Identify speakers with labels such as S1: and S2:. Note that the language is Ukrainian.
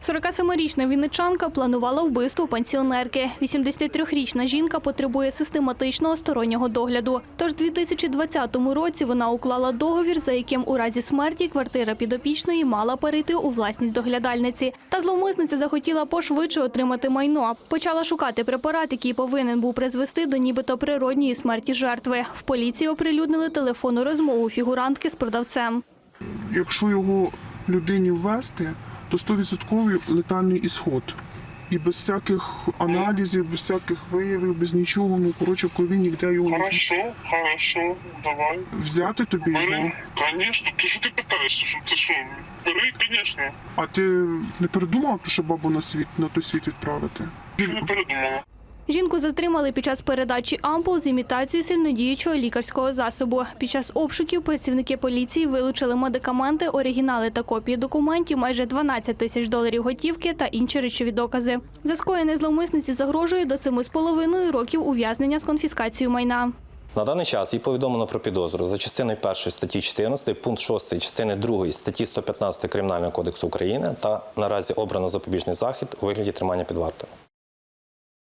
S1: 47-річна вінничанка планувала вбивство пенсіонерки. 83-річна жінка потребує систематичного стороннього догляду. Тож у 2020 році вона уклала договір, за яким у разі смерті квартира підопічної мала перейти у власність доглядальниці. Та зловмисниця захотіла пошвидше отримати майно. Почала шукати препарат, який повинен був призвести до нібито природньої смерті жертви. В поліції оприлюднили телефонну розмову фігурантки з продавцем.
S2: Якщо його людині ввести, то 100% летальний ісход. І без всяких аналізів, без всяких виявів, без нічого, в крові ніде його не...
S3: Хорошо, давай.
S2: Взяти тобі його?
S3: Бери, конечно. Ти що ти питаєшся? Ти що? Бери, конечно.
S2: А ти не передумав, що бабу на той світ відправити?
S3: Ти не передумала.
S1: Жінку затримали під час передачі ампул з імітацією сильнодіючого лікарського засобу. Під час обшуків працівники поліції вилучили медикаменти, оригінали та копії документів, майже 12 тисяч доларів готівки та інші речові докази. За скоєне зловмисниці загрожує до 7,5 років ув'язнення з конфіскацією майна.
S4: На даний час їй повідомлено про підозру за частиною 1 статті 14, пункт 6 частини 2 статті 115 Кримінального кодексу України та наразі обрано запобіжний захід у вигляді тримання під вартою.